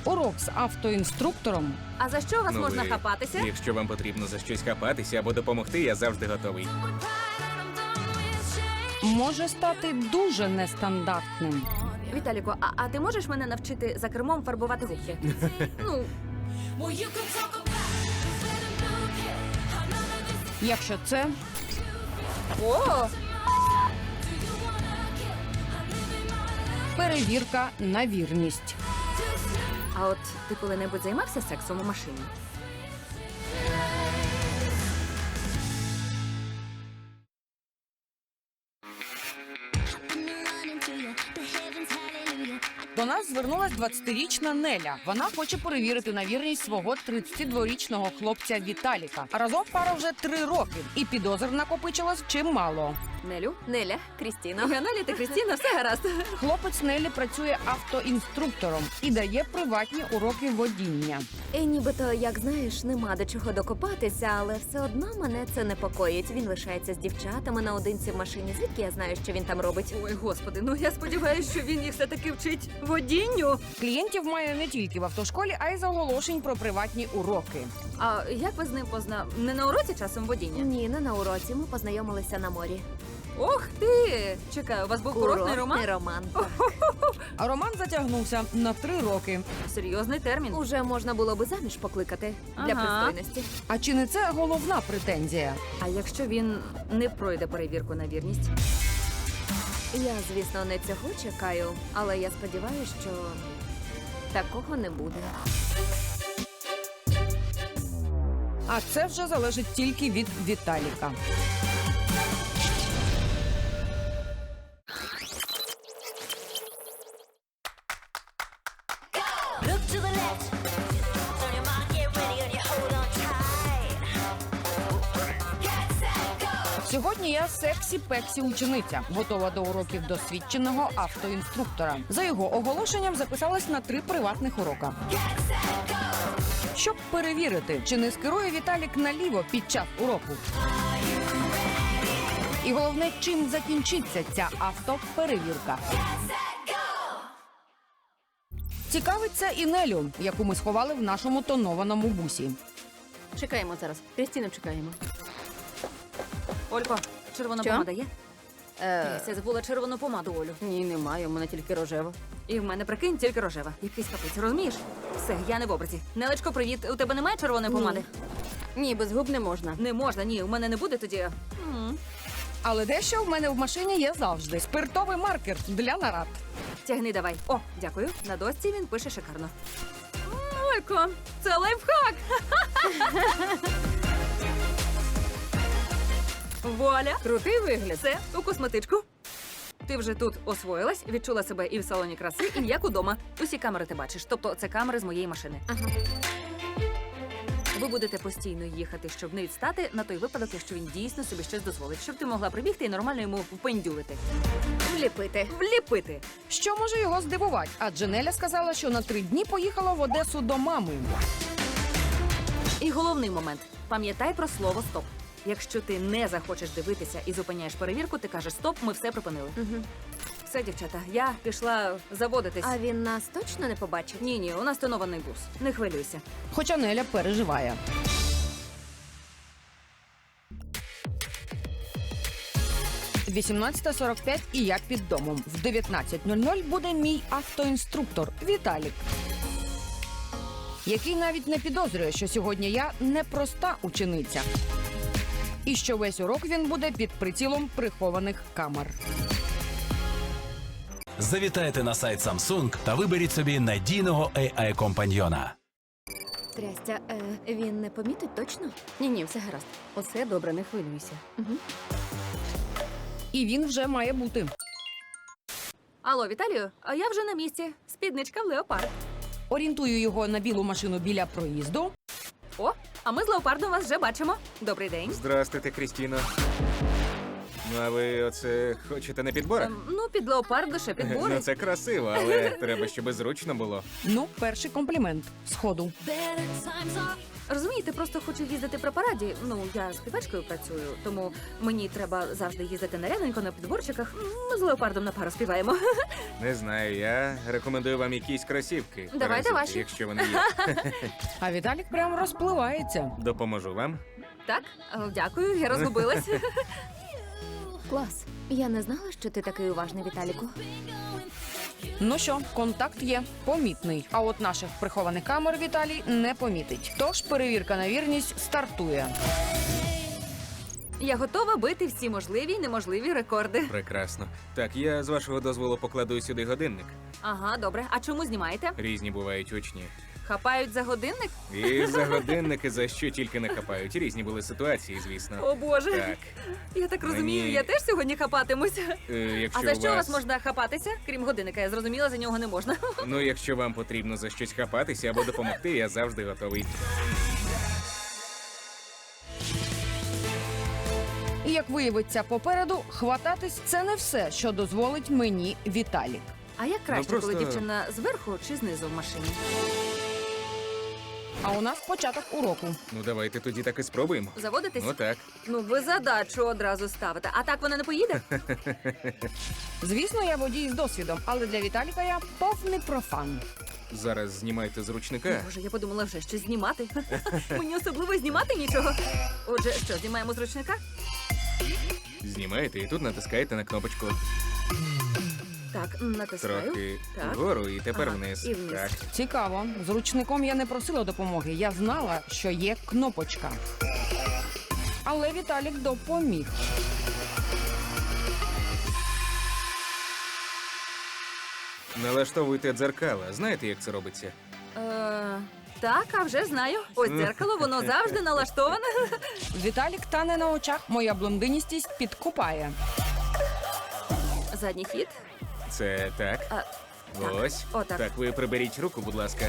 Урок з автоінструктором А за що вас можна ви- хапатися? Якщо вам потрібно за щось хапатися або допомогти, я завжди готовий. може стати дуже нестандартним. Віталіко, а ти можеш мене навчити за кермом фарбувати губки? Ну, Якщо це о! перевірка на вірність. А от ти коли-небудь займався сексом у машині? До нас звернулась 20-річна Неля. Вона хоче перевірити на вірність свого 32-річного хлопця Віталіка. Разом пара вже 3 роки, і підозр накопичилось чимало. Нелю? Неля, Крістіна. Неля та Крістіна, все гаразд. Хлопець Нелі працює автоінструктором і дає приватні уроки водіння. Нібито, як знаєш, нема до чого докопатися, але все одно мене це непокоїть. Він лишається з дівчатами наодинці в машині. Звідки я знаю, що він там робить? Ой, господи, ну я сподіваюся, що він їх все-таки вчить водінню. Клієнтів має не тільки в автошколі, а й з оголошень про приватні уроки. А як ви з ним Не на уроці часом водіння? Ні, не на уроці. Ми познайомилися на морі. Ох ти! Чекаю, у вас був курортний роман? роман. А роман затягнувся на 3 роки. Серйозний термін. Уже можна було би заміж покликати для Ага. пристойності. А чи не це головна претензія? А якщо він не пройде перевірку на вірність? Я, звісно, не цього чекаю, але я сподіваюся, що такого не буде. А це вже залежить тільки від Віталіка. Look to the left. Turn your mind, get ready, and you hold on tight. Get set, go. Сьогодні я сексі-пексі учениця, готова до уроків досвідченого автоінструктора. За його оголошенням записалась на 3 приватних урока. Щоб перевірити, чи не скерує Віталік наліво під час уроку. І головне, чим закінчиться ця автоперевірка. Цікавиться і Нелю, яку ми сховали в нашому тонованому бусі. Чекаємо зараз. Крістіну чекаємо. Олько, червона Що? помада є? Я забула червону помаду, Олю. Ні, немає, у мене тільки рожева. І в мене, прикинь, тільки рожева. Якийсь капець, розумієш? Все, я не в образі. Нелечко, привіт. У тебе немає червоної помади? Ні, без губ не можна. Не можна, ні, у мене не буде тоді. Але дещо в мене в машині є завжди. Спиртовий маркер для нарад. Тягни давай. О, дякую. На дошці він пише шикарно. Олько, це лайфхак! Вуаля! Крутий вигляд. Все, у косметичку. Ти вже тут освоїлась, відчула себе і в салоні краси, і як удома. Усі камери ти бачиш, тобто це камери з моєї машини. Ага. Ви будете постійно їхати, щоб не відстати на той випадок, якщо він дійсно собі щось дозволить, щоб ти могла прибігти і нормально йому впендюлити. Вліпити. Вліпити. Що може його здивувати? Адже Неля сказала, що на 3 дні поїхала в Одесу до мами. І головний момент. Пам'ятай про слово «стоп». Якщо ти не захочеш дивитися і зупиняєш перевірку, ти кажеш «стоп, ми все припинили». Угу. Все, дівчата, я пішла заводитись. А він нас точно не побачить? Ні, у нас тонований бус. Не хвилюйся. Хоча Неля переживає. – 18:45 і я під домом. В 19:00 буде мій автоінструктор Віталік, який навіть не підозрює, що сьогодні я не проста учениця. І що весь урок він буде під прицілом прихованих камер. Завітайте на сайт Samsung та виберіть собі надійного AI-компаньйона. Трястя, він не помітить точно? Ні, все гаразд. Усе добре, не хвилюйся. Угу. І він вже має бути. Алло, Віталію, а я вже на місці. Спідничка в леопард. Орієнтую його на білу машину біля проїзду. О, а ми з леопардом вас вже бачимо. Добрий день. Здрастуйте, Крістіно. Ну, а ви оце хочете на підборах? Ну, під леопард лише підбори. Ну, це красиво, але треба, щоб зручно було. Ну, перший комплімент. Сходу. Better times are Розумієте, просто хочу їздити при параді. Ну, я співачкою працюю, тому мені треба завжди їздити нарядненько на підборчиках. Ми з леопардом на пару співаємо. Не знаю, я рекомендую вам якісь кросівки. Давайте Паразити, ваші. Якщо вони є. А Віталік прям розпливається. Допоможу вам. Так, дякую, я розгубилась. Клас. Я не знала, що ти такий уважний, Віталіку. Ну що, контакт є помітний. А от наших прихованих камер Віталій не помітить. Тож перевірка на вірність стартує. Я готова бити всі можливі й неможливі рекорди. Прекрасно. Так, я з вашого дозволу покладу сюди годинник. Ага, добре. А чому знімаєте? Різні бувають учні. Хапають за годинник? І за годинники за що тільки не хапають. Різні були ситуації, звісно. О Боже. Так. Я так розумію, Мені- я теж сьогодні хапатимусь. Якщо А за що у вас... вас можна хапатися? Крім годинника, я зрозуміла, за нього не можна. Ну, якщо вам потрібно за щось хапатися або допомогти, я завжди готовий. І як виявиться попереду, хвататись це не все, що дозволить мені Віталік. А як краще, просто- коли дівчина зверху чи знизу в машині? А у нас початок уроку. Ну, давайте тоді так і спробуємо. Заводитись? Ну так. Ну, ви задачу одразу ставите. А так вона не поїде? Звісно, я водій з досвідом, але для Віталіка я повний профан. Зараз знімайте з ручника. Боже, я подумала вже щось знімати. Мені особливо знімати нічого. Отже, що, знімаємо з ручника? Знімаєте і тут натискаєте на кнопочку. Так, натискаю. Трохи Так. вгору і тепер Ага, вниз. і вниз. Так. Цікаво, з ручником я не просила допомоги. Я знала, що є кнопочка. Але Віталік допоміг. Налаштовуйте дзеркала. Знаєте, як це робиться? Так, а вже знаю. Ось дзеркало, воно завжди налаштоване. Віталік тане на очах, моя блондиністість підкупає. Задній хід. Це так. А, Ось. Отак. Так, ви приберіть руку, будь ласка.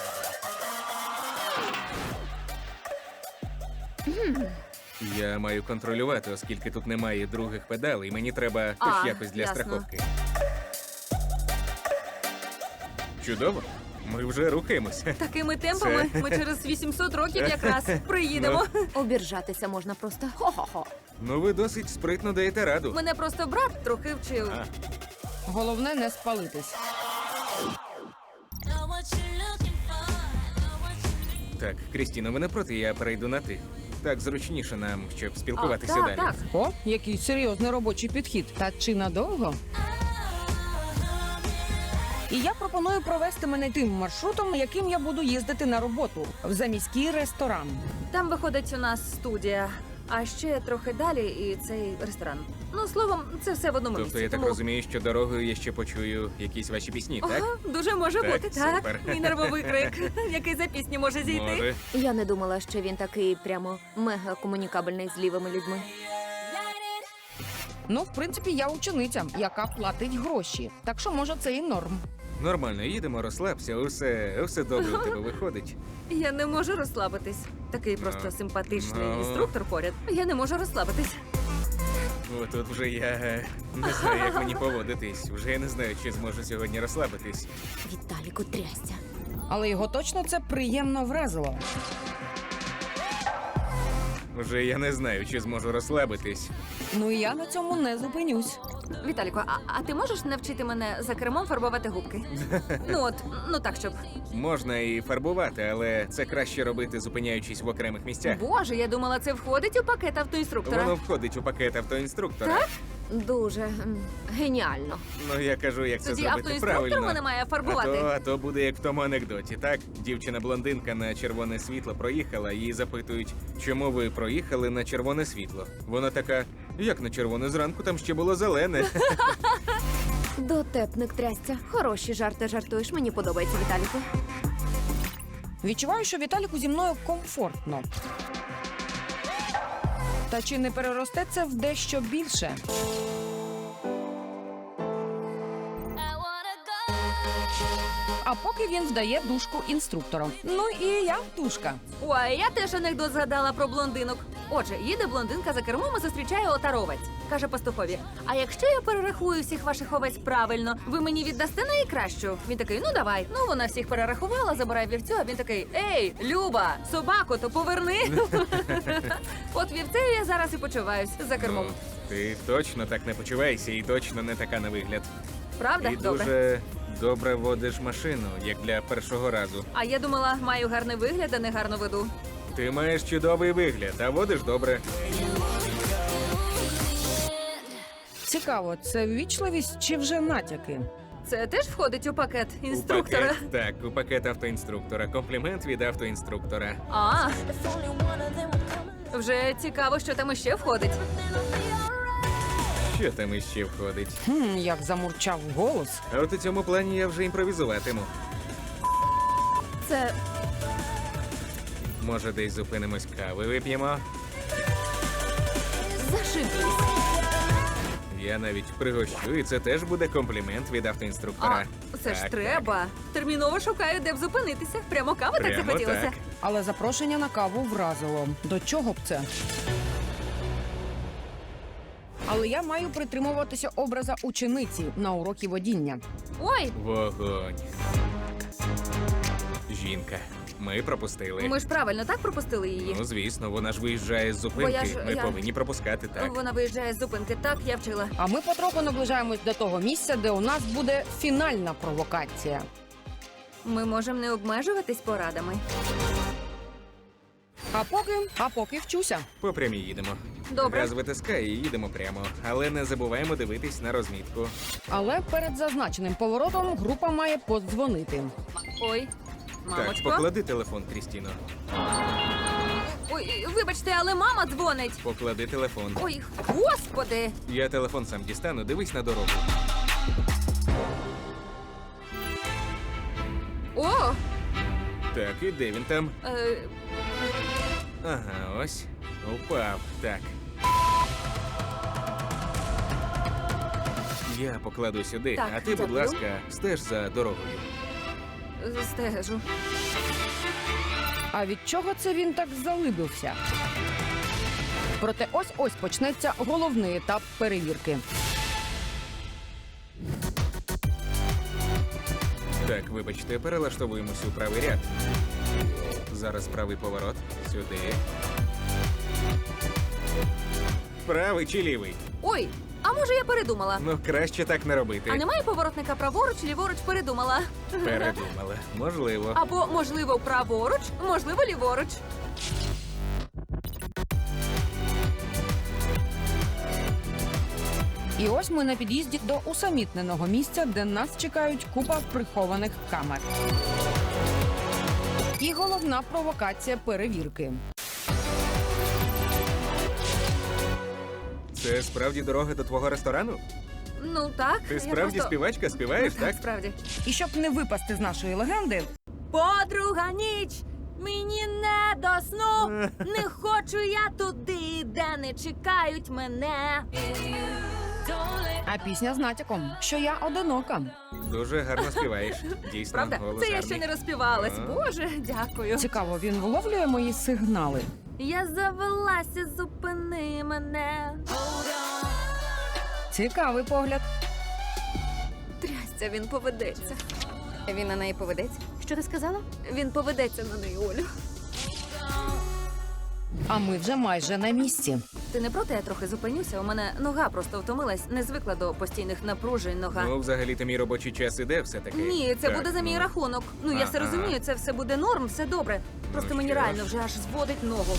Я маю контролювати, оскільки тут немає других педалей. Мені треба хоч А, якось для ясно. страховки. Чудово. Ми вже рухаємося. Такими темпами ми через 800 років якраз приїдемо. Обіржатися можна просто. Хо-хо-хо. Ну, ви досить спритно даєте раду. Мене просто брат трохи вчив. Головне не спалитись. Know what you're looking for. Know what you need. Так, Крістіно, ви не проти, я перейду на ти. Так зручніше нам, щоб спілкуватися так, далі. так. О, який серйозний робочий підхід. Та чи надовго? І я пропоную провести мене тим маршрутом, яким я буду їздити на роботу в заміський ресторан. Там виходить у нас студія, а ще трохи далі і цей ресторан. Ну, словом, це все в одному Тобто місці. я так тому- розумію, що дорогою я ще почую якісь ваші пісні, так? Ага, дуже може Так, бути, так. супер. Мій нервовий крик, який за пісні може зійти. Може. Я не думала, що він такий прямо мега комунікабельний з лівими людьми. Ну, в принципі, я учениця, яка платить гроші. Так що, може, це і норм. Нормально, їдемо, розслабся, усе добре у тебе виходить. Я не можу розслабитись. Такий просто симпатичний ну. інструктор поряд. Я не можу розслабитись. Тут вже я не знаю, як мені поводитись. Вже я не знаю, чи зможу сьогодні розслабитись. Віталіку трясся. Але його точно це приємно вразило. Вже я не знаю, чи зможу розслабитись. Ну і я на цьому не зупинюсь. Віталіко, а ти можеш навчити мене за кермом фарбувати губки? Ну так, щоб. Можна і фарбувати, але це краще робити, зупиняючись в окремих місцях. Боже, я думала, це входить у пакет автоінструктора. Воно входить у пакет автоінструктора. Так? Дуже геніально. Ну я кажу, як це Тоді зробити автоінструктор правильно. мене має фарбувати. А то буде як в тому анекдоті. Так, дівчина-блондинка на червоне світло проїхала, її запитують, чому ви проїхали на червоне світло. Вона така, як на червоне, зранку там ще було зелене. Дотепник трясся. Хороші жарти жартуєш. Мені подобається, Віталіку. Відчуваю, що Віталіку зі мною комфортно. Та чи не переросте це в дещо більше? I wanna go. А поки він здає дужку інструктором. Ну і я дужка. Ой, я теж анекдот згадала про блондинок. Отже, їде блондинка за кермом і зустрічає отаровець. Каже пастухові: а якщо я перерахую всіх ваших овець правильно, ви мені віддасте найкращу? Він такий: ну давай. Ну вона всіх перерахувала, забирає вівцю, а він такий: ей, Люба, собаку то поверни. От вівцею я зараз і почуваюсь за кермом. Ну, ти точно так не почуваєшся і точно не така на вигляд. Правда? І Добре. дуже добре водиш машину, як для першого разу. А я думала, маю гарний вигляд, а не гарно веду. Ти маєш чудовий вигляд, а водиш добре. Цікаво, це ввічливість чи вже натяки? Це теж входить у пакет У інструктора. пакет, так, у пакет автоінструктора. Комплімент від автоінструктора. А, If only one of them would come вже цікаво, що там іще входить. Що там іще входить? Як замурчав голос. А от у цьому плані я вже імпровізуватиму. Це Може, десь зупинимось, кави вип'ємо? зашибісь. Я навіть пригощу, і це теж буде комплімент від автоінструктора. А, це ж Так, треба. Терміново шукаю, де б зупинитися. Прямо кави так Прямо захотілося. так. Але запрошення на каву вразило. До чого б це? Але я маю притримуватися образа учениці на урокі водіння. Ой, Вогонь. Жінка. Ми пропустили. ми ж правильно так пропустили її. Ну, звісно, вона ж виїжджає з зупинки. Ми я- повинні пропускати, так. Вона виїжджає з зупинки. Так, я вчила. А ми потроху наближаємось до того місця, де у нас буде фінальна провокація. Ми можемо не обмежуватись порадами. А поки вчуся. По прямій їдемо. Добре. Газ витискає і їдемо прямо. Але не забуваємо дивитись на розмітку. Але перед зазначеним поворотом група має подзвонити. Ой, Так, мамочко. поклади телефон, Крістіно. Ой, вибачте, але мама дзвонить. Поклади телефон. Ой, господи. Я телефон сам дістану, дивись на дорогу. О, Так, і де він там? е, Ага, ось. Упав. Так. Я покладу сюди, Так, а ти, будь дякую. ласка, стеж за дорогою. стежу. А від чого це він так залибився? Проте ось почнеться головний етап перевірки. Так, вибачте, перелаштовуємося у правий ряд. Зараз правий поворот. Сюди. Правий чи лівий? Ой, а може я передумала? Ну, краще так не робити. А немає поворотника праворуч, ліворуч передумала. Передумала. Можливо. Або, можливо, праворуч, можливо, ліворуч. І ось ми на під'їзді до усамітненого місця, де нас чекають купа прихованих камер. І головна провокація перевірки. Це справді дорога до твого ресторану? Ну так. Ти я справді просто... співачка? Співаєш, Ну, так? справді. І щоб не випасти з нашої легенди, Подруга ніч, мені не до сну. Не хочу я туди, де не чекають мене. а пісня з натяком, що я одинока. Дуже гарно співаєш. Дійсно, Правда? голос Це я гарний. ще не розпівалась. А. Боже, дякую. Цікаво, він вловлює мої сигнали. Я завелася, зупини мене. Цікавий погляд. Трясся, він поведеться. Він на неї поведеться. Що ти сказала? Він поведеться на неї, Олю. А ми вже майже на місці. Ти не проти, я трохи зупинюся. У мене нога просто втомилась, не звикла до постійних напружень нога. Ну, взагалі-то мій робочий час іде все-таки. Ні, це Так, буде за мій ну. рахунок. Ну я все Ага. розумію, це все буде норм, все добре. Просто Ну, мені що реально ж. вже аж зводить ногу.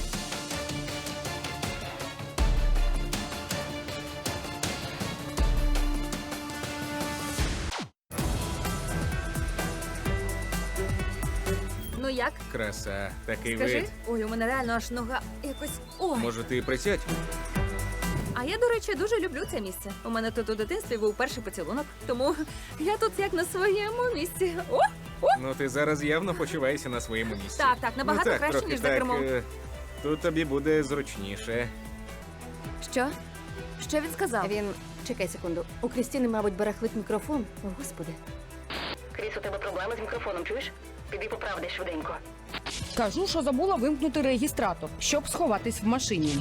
Ну як? Краса, такий Скажи? вид. Ой, у мене реально аж нога якось. Ой. Може, ти присядь? А я, до речі, дуже люблю це місце. У мене тут у дитинстві був перший поцілунок, тому я тут як на своєму місці. О! Ну, ти зараз явно почуваєшся на своєму місці. Так, набагато ну, так, краще, трохи ніж за так, кермом. Тут тобі буде зручніше. Що? Що він сказав? Він. Чекай секунду. У Крістіни, мабуть, барахлить мікрофон. О, господи. Кріс, у тебе проблеми з мікрофоном, чуєш? Піди поправди швиденько. Кажу, що забула вимкнути реєстратор, щоб сховатись в машині.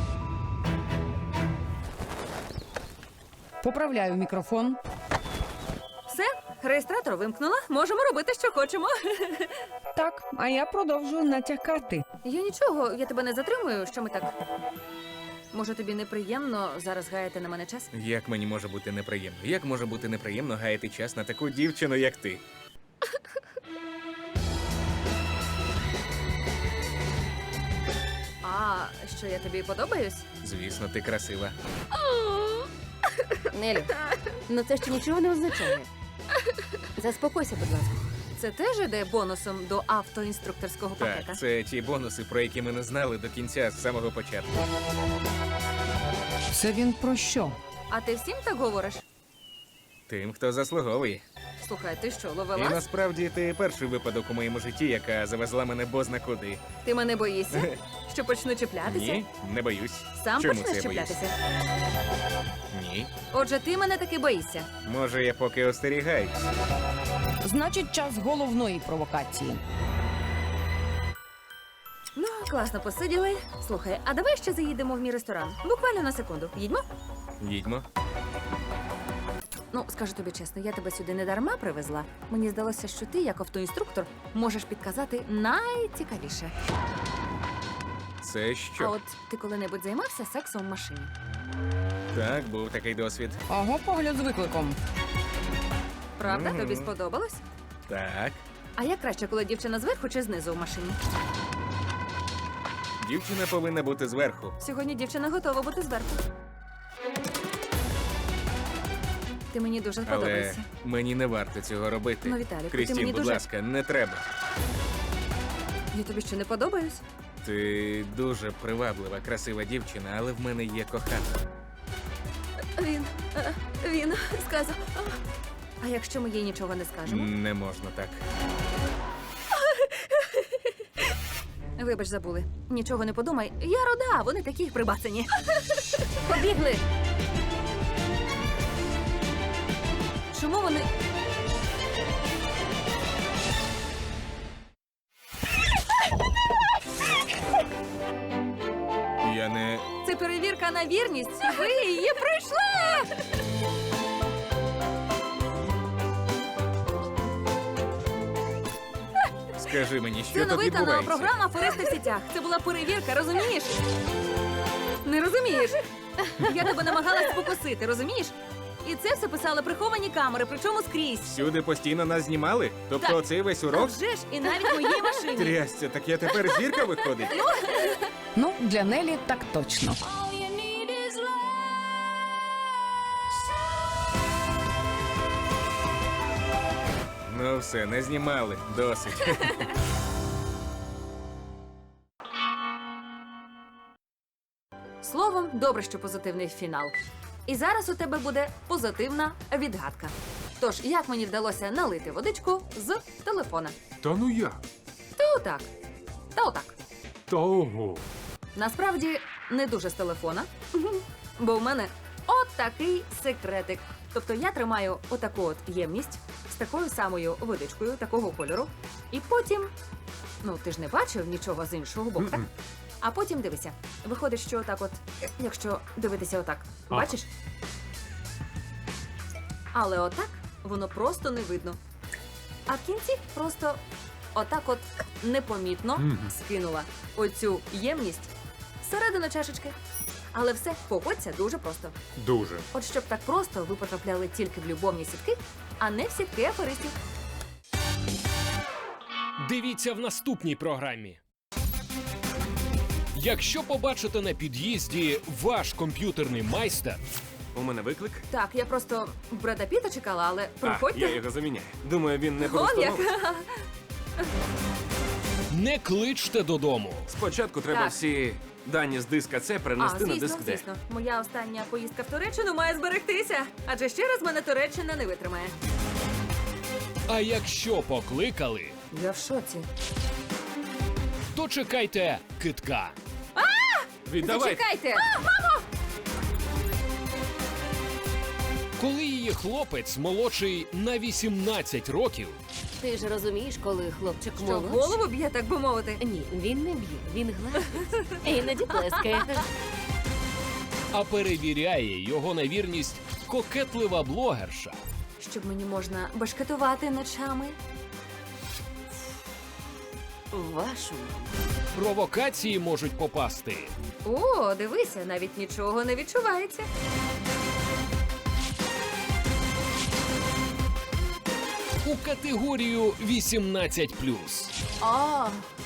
Поправляю мікрофон. Все, реєстратор вимкнула. Можемо робити, що хочемо. Так, а я продовжую натякати. Я нічого, я тебе не затримую. Що ми так? Може, тобі неприємно зараз гаяти на мене час? Як мені може бути неприємно? Як може бути неприємно гаяти час на таку дівчину, як ти? А що я тобі подобаюсь? Звісно, ти красива. Нелю, ну це ще нічого не означає. Заспокойся, будь ласка. Це теж іде бонусом до автоінструкторського пакета. Так, це ті бонуси, про які ми не знали до кінця з самого початку. Це він про що? А ти всім так говориш? Тим, хто заслуговує. Слухай, ти що, І ловелас? насправді ти перший випадок у моєму житті, яка завезла мене бозна куди. Ти мене боїшся? Що почну чіплятися? Ні, не боюсь. Сам Чому почнеш це я боюсь? чіплятися? Ні. Отже, ти мене таки боїшся. Може, я поки остерігаюсь. Значить, час головної провокації. Ну, класно посиділи. Слухай, а давай ще заїдемо в мій ресторан. Буквально на секунду. Їдьмо? Їдьмо. Ну, скажу тобі чесно, я тебе сюди не дарма привезла. Мені здалося, що ти, як автоінструктор, можеш підказати найцікавіше. Це А що? от ти коли-небудь займався сексом в машині? Так, був такий досвід. Ого, погляд з викликом. Правда? Мгм. Тобі сподобалось? Так. А як краще, коли дівчина зверху чи знизу в машині? Дівчина повинна бути зверху. Сьогодні дівчина готова бути зверху. Ти мені дуже Але сподобаєшся. мені не варто цього робити. Ну, Віталіку, ти Крістін, мені будь дуже- ласка, не треба. Я тобі що, не подобаюсь? Ти дуже приваблива, красива дівчина, але в мене є коханка. Він сказав. А якщо ми їй нічого не скажемо? Не можна так. Вибач, забули. Нічого не подумай. Я рода, вони такі прибацані. Побігли! Чому вони. Я не. Це перевірка на вірність. Ви її пройшли! Скажи мені, що Це тут новий канал, відбувається? програма «Аферисти в сітях». Це була перевірка, розумієш? Не розумієш? Я тебе намагалась покосити, розумієш? І це все писали приховані камери, причому скрізь. Всюди постійно нас знімали? Тобто Так. оцей весь А урок? вже ж, і навіть в моїй машині. Трясся, так я тепер зірка виходить? Ну, для Нелі так точно. All you need is love. Ну все, не знімали. Досить. Словом, добре, що позитивний фінал. І зараз у тебе буде позитивна відгадка. Тож, як мені вдалося налити водичку з телефона? Та ну як? Та отак. Та отак. Та ого. Насправді не дуже з телефона, бо в мене от такий секретик. Тобто я тримаю отаку от ємність з такою самою водичкою, такого кольору, і потім, ну ти ж не бачив нічого з іншого боку, так? А потім дивися. Виходить, що отак от, якщо дивитися отак, Ага. бачиш? Але отак воно просто не видно. А в кінці просто отак от непомітно скинула оцю ємність всередину чашечки. Але все поводься дуже просто. Дуже. От щоб так просто ви потрапляли тільки в любовні сітки, а не в сітки аферистів. Дивіться в наступній програмі. Якщо побачите на під'їзді ваш комп'ютерний майстер, У мене виклик. Так, я просто Бреда Піта чекала, але приходьте. Я його заміняю. Думаю, він не Он як. просто. не кличте додому. Спочатку треба Так. всі дані з диска C перенести на диск D. звісно. Моя остання поїздка в Туреччину має зберегтися. Адже ще раз мене Туреччина не витримає. А якщо покликали, Я в шоці. то чекайте китка. Віддавай. Чекайте! Коли її хлопець молодший на 18 років Ти ж розумієш, коли хлопчик Що, молодший... голову б'є, так би мовити? Ні, він не б'є, він гладить. Іноді плескає. А перевіряє його на вірність кокетлива блогерша. Щоб мені можна башкетувати ночами. Вашу. Провокації можуть попасти. О, дивися, навіть нічого не відчувається. У категорію 18+. О,